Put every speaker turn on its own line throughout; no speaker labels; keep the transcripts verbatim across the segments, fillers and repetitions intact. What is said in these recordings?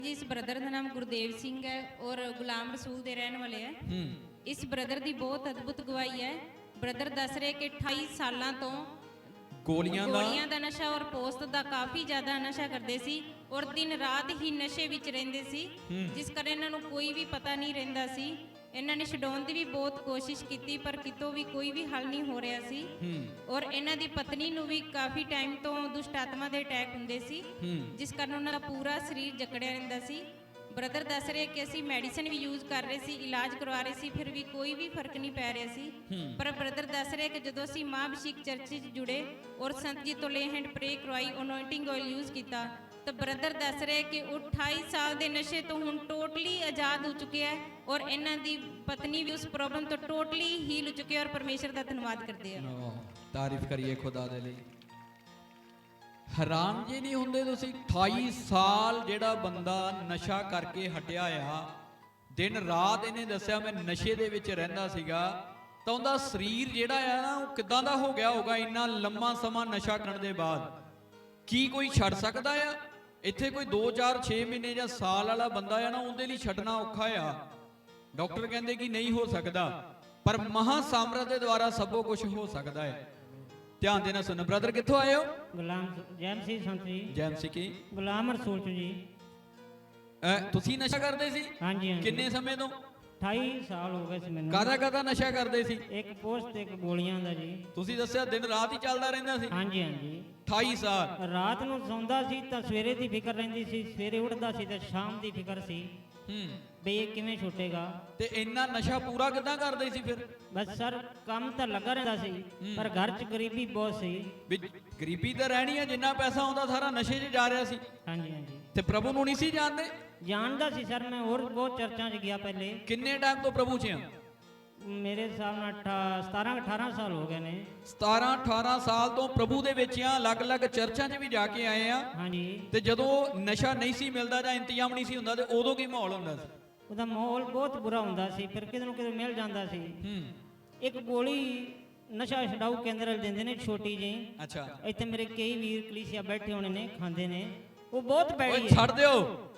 जी इस ब्रदर का नाम गुरदेव सिंह है और गुलाम रसूल के रहने वाले हैं। इस ब्रदर की बहुत अद्भुत गवाही है। ब्रदर दस रहे कि अठाई साल तो
गोलियां
गोलियां दा नशा और पोस्त दा काफ़ी ज़्यादा नशा करते सी और दिन रात ही नशे विच रहिंदे सी, जिस कारण इन्हां नूं कोई भी पता नहीं रहिंदा सी। इन्हां ने छडाउण दी भी बहुत कोशिश की पर कितों भी कोई भी हल नहीं हो रहा सी और इन्हां दी पत्नी नूं भी काफ़ी टाइम तो दुष्ट आत्मा दे अटैक हुंदे सी, जिस कारण उन्हां दा पूरा शरीर जकड़िया रहिंदा सी। ब्रदर दस रहे कि असीं मैडिसिन भी यूज़ कर रहे सी, इलाज करवा रहे सी, फिर भी कोई भी फर्क नहीं पै रहा सी। पर ब्रदर दस रहे कि जदों असीं मां अभिषेक चर्च च जुड़े और संत जी तो ले हैंड प्रे करवाई, अनॉइंटिंग ऑयल यूज़ किया, तो ब्रदर दस रहे कि अठाई साल के नशे तो हुण टोटली आज़ाद हो चुके हैं और इन्हां दी पत्नी भी उस प्रॉब्लम तो टोटली हील हो चुके हैं और परमेश्वर का धन्यवाद करते हैं।
तारीफ करिए खुदा दे लई। हैरान जी नहीं होंदे तुसीं अठाई साल जेड़ा बंदा नशा करके हटिया आ, दिन रात इन्हें दस्सिया मैं नशे दे विच रहिंदा सीगा, तां उहदा शरीर जेड़ा आ ना वो किदां दा हो गया होगा इन्ना लंबा समा नशा करन दे बाद। की कोई छड़ सकदा आ? इत्थे कोई दो चार छे महीने जां साल वाला बंदा आ ना उहदे लई छड्डना औखा आ। डॉक्टर कहंदे कि नहीं हो सकदा, पर महासामर्थ दे द्वारा सबो कुछ हो सकदा है। ध्यान देना सुनो। ब्रदर कित्थों आए हो?
गुलाम जैम सी संत जी।
जैम सी की
गुलाम रसूल जी।
ਤੁਸੀਂ ਨਸ਼ਾ ਕਰਦੇ ਸੀ?
ਹਾਂਜੀ ਹਾਂਜੀ।
ਕਿੰਨੇ ਸਮੇਂ ਤੋਂ?
अठाई साल हो गए सी मैनूं।
ਕਾਹਦਾ ਕਾਹਦਾ ਨਸ਼ਾ ਕਰਦੇ ਸੀ?
एक पोस्ट एक गोलियां दा जी।
ਤੁਸੀਂ ਦੱਸਿਆ ਦਿਨ ਰਾਤ ਹੀ ਚੱਲਦਾ ਰਹਿੰਦਾ ਸੀ?
ਹਾਂਜੀ ਹਾਂਜੀ।
अठाई ਸਾਲ।
ਰਾਤ ਨੂੰ ਸੌਂਦਾ ਸੀ ਤਾਂ ਸਵੇਰੇ ਦੀ ਫਿਕਰ ਰਹਿੰਦੀ ਸੀ, ਸਵੇਰੇ ਉੱਠਦਾ ਸੀ ਤਾਂ ਸ਼ਾਮ ਦੀ ਫਿਕਰ ਸੀ
ਹੂੰ
ਬਈ ਇਹ ਕਿਵੇਂ ਛੁੱਟੇਗਾ।
ਤੇ ਇੰਨਾ ਨਸ਼ਾ ਪੂਰਾ ਕਿੱਦਾਂ ਕਰਦੇ ਸੀ ਫਿਰ?
ਬਸ ਸਰ ਕੰਮ ਤਾਂ ਲੱਗਾ ਰਹਿੰਦਾ ਸੀ ਪਰ ਘਰ 'ਚ ਗਰੀਬੀ ਬਹੁਤ ਸੀ।
ਵੀ ਗਰੀਬੀ ਤਾਂ ਰਹਿਣੀ ਹੈ, ਜਿੰਨਾ ਪੈਸਾ ਆਉਂਦਾ ਸਾਰਾ ਨਸ਼ੇ 'ਚ ਜਾ ਰਿਹਾ ਸੀ।
ਹਾਂਜੀ ਹਾਂਜੀ।
ਤੇ ਪ੍ਰਭੂ ਨੂੰ ਨਹੀਂ ਸੀ ਜਾਣਦੇ?
ਜਾਣਦਾ ਸੀ ਸਰ, ਮੈਂ ਹੋਰ ਬਹੁਤ ਚਰਚਾਂ 'ਚ ਗਿਆ ਪਹਿਲੇ।
ਕਿੰਨੇ ਟਾਈਮ ਤੋਂ ਪ੍ਰਭੂ 'ਚ ਆ?
ਮੇਰੇ ਹਿਸਾਬ ਨਾਲ ਸਤਾਰਾਂ ਅਠਾਰਾਂ ਸਾਲ ਹੋ ਗਏ ਨੇ।
ਸਤਾਰਾਂ ਅਠਾਰਾਂ ਸਾਲ ਤੋਂ ਪ੍ਰਭੂ ਦੇ ਵਿੱਚ ਆ, ਅਲੱਗ-ਅਲੱਗ ਚਰਚਾਂ 'ਚ ਵੀ ਜਾ ਕੇ ਆਏ ਆ।
ਹਾਂਜੀ।
ਤੇ ਜਦੋਂ ਨਸ਼ਾ ਨਹੀਂ ਸੀ ਮਿਲਦਾ ਜਾਂ ਇੰਤਜ਼ਾਮ ਨਹੀਂ ਸੀ ਹੁੰਦਾ ਤੇ ਉਦੋਂ ਕੀ ਮਾਹੌਲ ਹੁੰਦਾ ਸੀ?
ਉਹਦਾ ਮਾਹੌਲ ਬਹੁਤ ਬੁਰਾ ਹੁੰਦਾ ਸੀ, ਫਿਰ ਕਿਤੇ ਨੂੰ ਕਿਤੇ ਮਿਲ ਜਾਂਦਾ ਸੀ।
ਹੂੰ
ਇੱਕ ਗੋਲੀ ਨਸ਼ਾ ਛਡਾਊ ਕੇਂਦਰ ਦਿੰਦੇ ਨੇ ਛੋਟੀ ਜਿਹੀ।
ਅੱਛਾ।
ਇੱਥੇ ਮੇਰੇ ਕਈ ਵੀਰ ਕਲੀਸਿਆ ਬੈਠੇ ਹੋਣੇ ਨੇ, ਖਾਂਦੇ ਨੇ, ਉਹ ਬਹੁਤ
ਓਏ
ਪੈੜੀ
ਛੱਡ ਦਿਓ,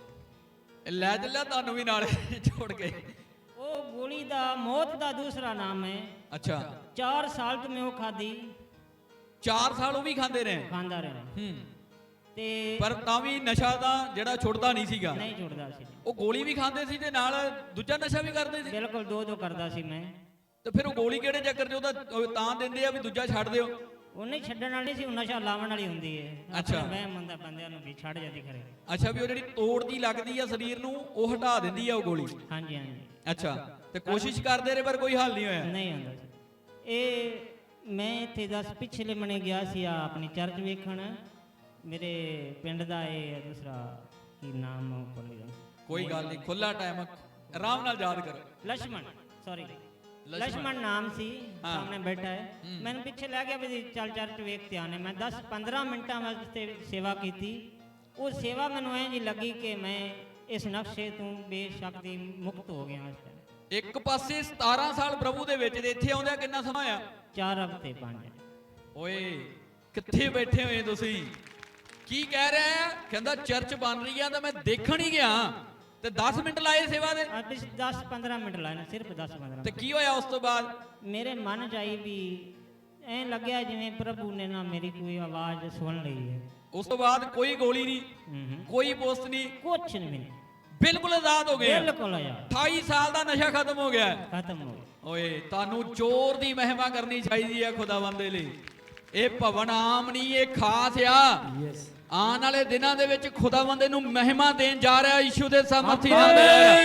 ਲੈ ਚੱਲਿਆ ਤੁਹਾਨੂੰ ਵੀ ਨਾਲ ਛੋੜ ਕੇ।
ਉਹ ਗੋਲੀ ਦਾ ਮੌਤ ਦਾ ਦੂਸਰਾ ਨਾਮ ਹੈ।
ਅੱਛਾ।
ਚਾਰ ਸਾਲ ਤੋਂ ਮੈਂ ਉਹ ਖਾਦੀ।
ਚਾਰ ਸਾਲ ਉਹ ਵੀ ਖਾਂਦੇ ਰਹੇ?
ਖਾਂਦਾ ਰਿਹਾ।
ਹੂੰ।
ਤੇ
ਪਰ ਤਾਂ ਵੀ ਨਸ਼ਾ ਦਾ ਜਿਹੜਾ ਛੁੱਟਦਾ ਨਹੀਂ ਸੀਗਾ।
ਨਹੀਂ ਛੁੱਟਦਾ ਸੀ।
ਉਹ ਗੋਲੀ ਵੀ ਖਾਂਦੇ ਸੀ ਤੇ ਨਾਲ ਦੂਜਾ ਨਸ਼ਾ ਵੀ ਕਰਦੇ ਸੀ?
ਬਿਲਕੁਲ ਦੋ ਦੋ ਕਰਦਾ ਸੀ ਮੈਂ।
ਤੇ ਫਿਰ ਉਹ ਗੋਲੀ ਕਿਹੜੇ ਚੱਕਰ 'ਚ ਉਹਦਾ ਤਾਂ ਦਿੰਦੇ ਆ ਵੀ ਦੂਜਾ ਛੱਡ ਦਿਓ?
ਉਹਨੇ ਛੱਡਣ ਵਾਲੀ ਸੀ, ਉਹ ਨਸ਼ਾ ਲਾਵਣ ਵਾਲੀ ਹੁੰਦੀ ਹੈ।
ਅੱਛਾ।
ਮੈਂ ਮੰਨਦਾ ਬੰਦਿਆਂ ਨੂੰ ਵੀ ਛੱਡ ਜਾਂਦੀ ਖਰੇ।
ਅੱਛਾ, ਵੀ ਉਹ ਜਿਹੜੀ ਤੋੜਦੀ ਲੱਗਦੀ ਆ ਸਰੀਰ ਨੂੰ ਉਹ ਹਟਾ ਦਿੰਦੀ ਆ ਉਹ ਗੋਲੀ?
ਹਾਂਜੀ ਹਾਂਜੀ।
ਅੱਛਾ। ਤੇ ਕੋਸ਼ਿਸ਼ ਕਰਦੇ ਰਹੇ ਪਰ ਕੋਈ ਹੱਲ ਨਹੀਂ ਹੋਇਆ?
ਨਹੀਂ ਹੁੰਦਾ ਸੀ। ਇਹ ਮੈਂ ਇੱਥੇ ਦਸ ਪਿਛਲੇ ਮਹੀਨੇ ਗਿਆ ਸੀ ਆ ਆਪਣੀ ਚਰਚ ਵੇਖਣ। ਮੇਰੇ ਪਿੰਡ ਦਾ ਇਹ ਦੂਸਰਾ ਕੀ ਨਾਮ ਭੁੱਲ ਗਿਆ।
ਕੋਈ ਗੱਲ ਨਹੀਂ, ਖੁੱਲਾ ਟਾਈਮ, ਆਰਾਮ ਨਾਲ ਯਾਦ ਕਰੋ।
ਲక్ష్మణ ਸੌਰੀ ਲక్ష్మణ ਨਾਮ ਸੀ। ਸਾਹਮਣੇ ਬੈਠਾ ਹੈ। ਮੈਨੂੰ ਪਿੱਛੇ ਲੈ ਗਿਆ ਵੀ ਚੱਲ ਚਰਚ ਵੇਖ ਤੇ ਆਨੇ। ਮੈਂ ਦਸ ਪੰਦਰਾਂ ਮਿੰਟਾਂ ਵਾਸਤੇ ਸੇਵਾ ਕੀਤੀ। ਉਹ ਸੇਵਾ ਮੈਨੂੰ ਐਂ ਜੀ ਲੱਗੀ ਕਿ ਮੈਂ ਇਸ ਨਕਸ਼ੇ ਤੋਂ ਬੇਸ਼ੱਕ ਦੀ ਮੁਕਤ ਹੋ ਗਿਆ ਇਸ ਟਾਈਮ।
ਇੱਕ ਪਾਸੇ ਸਤਾਰਾਂ ਸਾਲ ਪ੍ਰਭੂ ਦੇ ਵਿੱਚ ਤੇ ਇੱਥੇ ਆਉਂਦਿਆਂ ਕਿੰਨਾ ਸਮਾਂ ਆ?
ਚਾਰ ਹਫ਼ਤੇ ਪੰਜ।
ਓਏ ਕਿੱਥੇ ਬੈਠੇ ਹੋਏ ਤੁਸੀਂ? ਕੀ ਕਹਿ ਰਿਹਾ ਆ? ਕਹਿੰਦਾ ਚਰਚ ਬਣ ਰਹੀ ਆ ਤਾਂ ਮੈਂ ਦੇਖਣ ਹੀ ਗਿਆ ਤੇ ਦਸ ਮਿੰਟ ਲਾਏ ਸੇਵਾ ਦੇ?
ਦਸ ਪੰਦਰਾਂ ਮਿੰਟ ਲਾਏ ਨੇ, ਸਿਰਫ ਦਸ ਪੰਦਰਾਂ।
ਤੇ ਕੀ ਹੋਇਆ ਉਸ ਤੋਂ ਬਾਅਦ?
ਮੇਰੇ ਮਨ ਚ ਆਈ ਵੀ ਐਂ ਲੱਗਿਆ ਜਿਵੇਂ ਪ੍ਰਭੂ ਨੇ ਨਾ ਮੇਰੀ ਕੋਈ ਆਵਾਜ਼ ਸੁਣ ਲਈ ਹੈ।
ਉਸ ਤੋਂ ਬਾਅਦ ਕੋਈ ਗੋਲੀ ਨਹੀਂ, ਕੋਈ ਪੋਸਟ ਨਹੀਂ,
ਕੁਛ ਨਹੀਂ,
ਬਿਲਕੁਲ ਆਜ਼ਾਦ ਹੋ ਗਏ?
ਬਿਲਕੁਲ ਆਜ਼ਾਦ।
ਅਠਾਈ ਸਾਲ ਦਾ ਨਸ਼ਾ ਖਤਮ ਹੋ ਗਿਆ?
ਖਤਮ ਹੋ ਗਿਆ।
ਓਏ ਤੁਹਾਨੂੰ ਜ਼ੋਰ ਦੀ ਮਹਿਮਾ ਕਰਨੀ ਚਾਹੀਦੀ ਹੈ ਖੁਦਾਵੰਦ ਦੇ ਲਈ। ਇਹ ਭਵਨ ਆਮ ਨਹੀਂ, ਇਹ ਖਾਸ ਆ। ਯੈਸ। ਆਉਣ ਵਾਲੇ ਦਿਨਾਂ ਦੇ ਵਿੱਚ ਖੁਦਾਵੰਦ ਨੂੰ ਮਹਿਮਾ ਦੇਣ ਜਾ ਰਿਹਾ ਯਿਸੂ ਦੇ ਸਾਮਰਥੀ ਨਾਲ।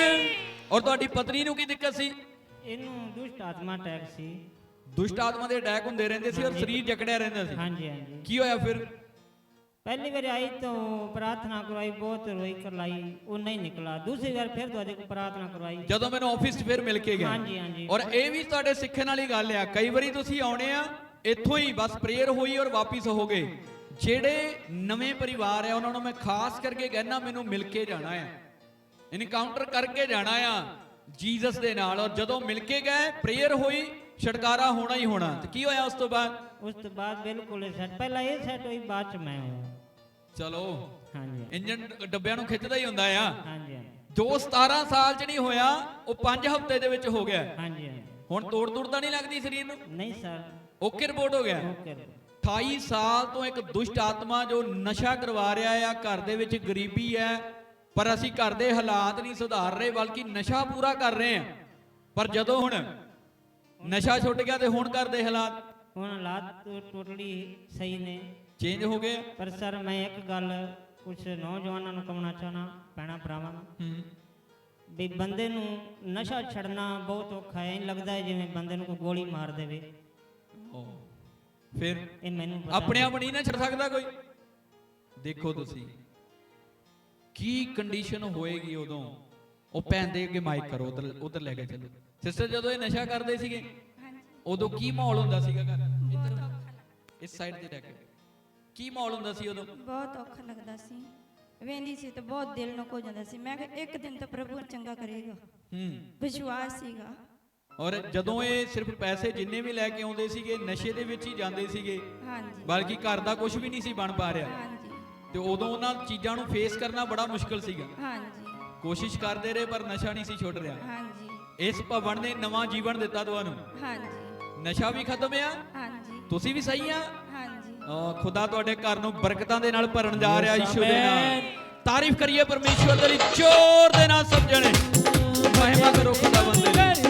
ਔਰ ਤੁਹਾਡੀ ਪਤਨੀ ਨੂੰ ਕੀ ਦਿੱਕਤ ਸੀ?
ਇਹਨੂੰ ਦੁਸ਼ਟ ਆਤਮਾ ਅਟੈਕ ਸੀ।
ਦੁਸ਼ਟ ਆਤਮਾ ਦੇ ਅਟੈਕ ਹੁੰਦੇ ਰਹਿੰਦੇ ਸੀ ਔਰ ਸਰੀਰ ਜਕੜਿਆ ਰਹਿੰਦਾ ਸੀ?
ਹਾਂਜੀ ਹਾਂਜੀ।
ਕੀ ਹੋਇਆ ਫਿਰ?
पहली बार आई तो प्रार्थना करवाई, बहुत रोई करलाई, वो नहीं निकला। दूसरी बार फिर तो अधिक प्रार्थना करवाई
ਜਦੋਂ ਮੈਨੂੰ ਆਫਿਸ 'ਚ ਫਿਰ ਮਿਲ ਕੇ ਗਿਆ।
ਹਾਂਜੀ ਹਾਂਜੀ।
ਔਰ ਇਹ ਵੀ ਤੁਹਾਡੇ ਸਿੱਖਣ ਵਾਲੀ ਗੱਲ ਆ, ਕਈ ਵਾਰੀ ਤੁਸੀਂ ਆਉਣੇ ਆ ਇੱਥੋਂ ਹੀ ਬਸ ਪ੍ਰੇਅਰ ਹੋਈ ਔਰ ਵਾਪਿਸ ਹੋ ਗਏ। ਜਿਹੜੇ ਨਵੇਂ ਪਰਿਵਾਰ ਆ ਉਹਨਾਂ ਨੂੰ ਮੈਂ ਖਾਸ ਕਰਕੇ ਕਹਿਣਾ ਮੈਨੂੰ ਮਿਲ ਕੇ ਜਾਣਾ ਆ, ਇਨਕਾਊਂਟਰ ਕਰਕੇ ਜਾਣਾ ਆ ਜੀਸਸ ਦੇ ਨਾਲ। ਔਰ ਜਦੋਂ ਮਿਲ ਕੇ ਗਏ ਪ੍ਰੇਅਰ ਹੋਈ, ਛੁਟਕਾਰਾ ਹੋਣਾ ਹੀ ਹੋਣਾ। ਤੇ ਕੀ ਹੋਇਆ ਉਸ ਤੋਂ ਬਾਅਦ?
ਉਸ ਤੋਂ ਬਾਅਦ ਬਿਲਕੁਲ ਸੈਟ, ਪਹਿਲਾਂ ਇਹ ਸੈਟ ਹੋਈ, ਬਾਅਦ ਚ ਮੈਂ ਹੋਇਆ।
ਚਲੋ
ਹਾਂਜੀ
ਇੰਜਨ ਡੱਬਿਆਂ ਨੂੰ ਖਿੱਚਦਾ ਹੀ ਹੁੰਦਾ ਆ।
ਹਾਂਜੀ ਹਾਂਜੀ
ਜੋ ਸਤਾਰਾਂ ਸਾਲ ਚ ਨਹੀਂ ਹੋਇਆ ਉਹ ਪੰਜ ਹਫ਼ਤੇ ਦੇ ਵਿੱਚ ਹੋ ਗਿਆ।
ਹਾਂਜੀ ਹਾਂਜੀ
ਹੁਣ ਤੋੜ ਤੋੜ ਤਾਂ ਨਹੀਂ ਲੱਗਦੀ ਸਰੀਰ ਨੂੰ?
ਨਹੀਂ ਸਰ
ਓਕੇ ਰਿਪੋਰਟ ਹੋ ਗਿਆ।
ਓਕੇ
ਅਠਾਈ ਸਾਲ ਤੋਂ ਇੱਕ ਦੁਸ਼ਟ ਆਤਮਾ ਜੋ ਨਸ਼ਾ ਕਰਵਾ ਰਿਹਾ ਆ। ਘਰ ਦੇ ਵਿੱਚ ਗਰੀਬੀ ਹੈ ਪਰ ਅਸੀਂ ਘਰ ਦੇ ਹਾਲਾਤ ਨਹੀਂ ਸੁਧਾਰ ਰਹੇ ਬਲਕਿ ਨਸ਼ਾ ਪੂਰਾ ਕਰ ਰਹੇ ਹਾਂ। ਪਰ ਜਦੋਂ ਹੁਣ ਨਸ਼ਾ ਛੁੱਟ ਗਿਆ ਤੇ ਹੁਣ ਘਰ ਦੇ ਹਾਲਾਤ
ਹੁਣ ਹਾਲਾਤ ਟੋਟਲੀ ਸਹੀ ਨੇ,
ਚੇਂਜ ਹੋ ਗਏ।
ਪਰ ਸਰ ਮੈਂ ਇੱਕ ਗੱਲ ਕੁਝ ਨੌਜਵਾਨਾਂ ਨੂੰ ਕਹਣਾ ਚਾਹਣਾ ਪੈਣਾ ਭਰਾਵਾਂ ਨੂੰ
ਹੂੰ
ਵੀ ਬੰਦੇ ਨੂੰ ਨਸ਼ਾ ਛੱਡਣਾ ਬਹੁਤ ਔਖਾ ਹੈ। ਇਹ ਲੱਗਦਾ ਹੈ ਜਿਵੇਂ ਬੰਦੇ ਨੂੰ ਕੋਈ ਗੋਲੀ ਮਾਰ ਦੇਵੇ।
ਫਿਰ
ਇਹ ਮੈਨੂੰ ਪਤਾ
ਆਪਣੇ ਆਪ ਨਹੀਂ ਨਾ ਛੱਡ ਸਕਦਾ ਕੋਈ। ਦੇਖੋ ਤੁਸੀਂ ਕੀ ਕੰਡੀਸ਼ਨ ਹੋਏਗੀ ਉਦੋਂ। ਉਹ ਭੈਣ ਦੇ ਅੱਗੇ ਮਾਈਕ ਕਰੋ, ਉਧਰ ਉਧਰ ਲੈ ਕੇ ਚੱਲੋ। ਸਿਸਟਰ ਜਦੋਂ ਇਹ ਨਸ਼ਾ ਕਰਦੇ ਸੀਗੇ ਉਦੋਂ ਕੀ ਮਾਹੌਲ ਹੁੰਦਾ ਸੀਗਾ ਘਰ? ਇੱਧਰ ਇਸ ਸਾਈਡ ਤੇ ਲੈ ਕੇ ਕੀ ਮਾਹੌਲ ਹੁੰਦਾ ਸੀ ਉਦੋਂ?
ਬਹੁਤ ਔਖਾ ਲੱਗਦਾ ਸੀ, ਵੇਂਦੀ ਸੀ ਤੇ ਬਹੁਤ ਦਿਲ ਨੂੰ ਹੋ ਜਾਂਦਾ ਸੀ। ਮੈਂ ਕਿਹਾ ਇੱਕ ਦਿਨ ਤਾਂ ਪ੍ਰਭੂ ਚੰਗਾ ਕਰੇਗਾ,
ਹੂੰ
ਵਿਸ਼ਵਾਸ ਸੀਗਾ।
ਔਰ ਜਦੋਂ ਇਹ ਸਿਰਫ ਪੈਸੇ ਜਿੰਨੇ ਵੀ ਲੈ ਕੇ ਆਉਂਦੇ ਸੀਗੇ ਨਸ਼ੇ ਦੇ ਵਿੱਚ ਹੀ ਜਾਂਦੇ ਸੀਗੇ,
ਹਾਂਜੀ
ਬਲਕਿ ਘਰ ਦਾ ਕੁਝ ਵੀ ਨਹੀਂ ਸੀ ਬਣ ਪਾ ਰਿਹਾ।
ਹਾਂਜੀ
ਤੇ ਉਦੋਂ ਉਹਨਾਂ ਚੀਜ਼ਾਂ ਨੂੰ ਫੇਸ ਕਰਨਾ ਬੜਾ ਮੁਸ਼ਕਲ ਸੀਗਾ।
ਹਾਂਜੀ
ਕੋਸ਼ਿਸ਼ ਕਰਦੇ ਰਹੇ ਪਰ ਨਸ਼ਾ ਨਹੀਂ ਸੀ ਛੁੱਟ ਰਿਹਾ।
ਹਾਂਜੀ
ਇਸ ਭਵਨ ਨੇ ਨਵਾਂ ਜੀਵਨ ਦਿੱਤਾ ਤੁਹਾਨੂੰ।
ਹਾਂਜੀ
ਨਸ਼ਾ ਵੀ ਖਤਮ ਆ,
ਹਾਂਜੀ
ਤੁਸੀਂ ਵੀ ਸਹੀ ਆ।
ਹਾਂਜੀ
ਅਹ ਖੁਦਾ ਤੁਹਾਡੇ ਘਰ ਨੂੰ ਬਰਕਤਾਂ ਦੇ ਨਾਲ ਭਰਨ ਜਾ ਰਿਹਾ ਯਿਸੂ ਦੇ ਨਾਲ। ਤਾਰੀਫ ਕਰੀਏ ਪਰਮੇਸ਼ਵਰ ਦੀ, ਜ਼ੋਰ ਦੇ ਨਾਲ ਸਭ ਜਣੇ ਮਹਿਮਾ ਕਰੋ ਖੁਦਾਵੰਦ ਦੀ।